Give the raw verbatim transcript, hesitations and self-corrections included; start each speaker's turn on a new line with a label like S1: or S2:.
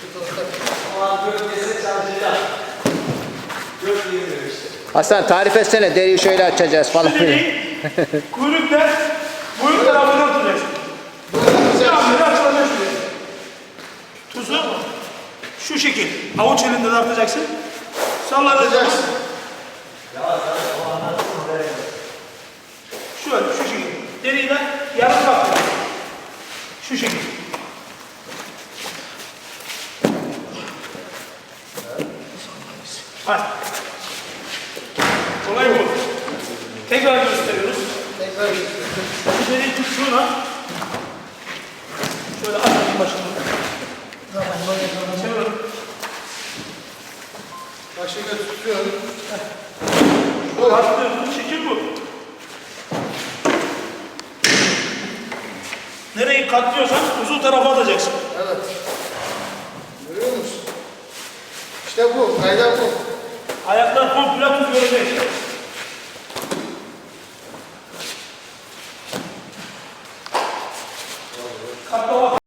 S1: Ama gövdesi çalışacak. Gövde yemiyor işte.
S2: Hasan tarif etsene, deriyi şöyle açacağız falan.
S3: Şu deriyi kuyrukla boyun tarafına tutacaksın. Camları açılacak şuraya. Tuzu şu şekil. Avuç elinde tartacaksın. Sallanacaksın. Şöyle şu şekil. Deriyi de yarım kaptır. Şu şekil. Hadi. Kolay bu. Tekrar gösteriyoruz.
S1: Tekrar
S3: Şu deriyi tuttuğuna şöyle açalım başını. Çevirin.
S1: başını tutuyorum.
S3: Bu attığımız şekil bu. Nereyi katlıyorsan uzun tarafa atacaksın.
S1: Evet. Görüyor musun? İşte bu. Kaydan bu.
S3: Ayaklar komple tuz görecek.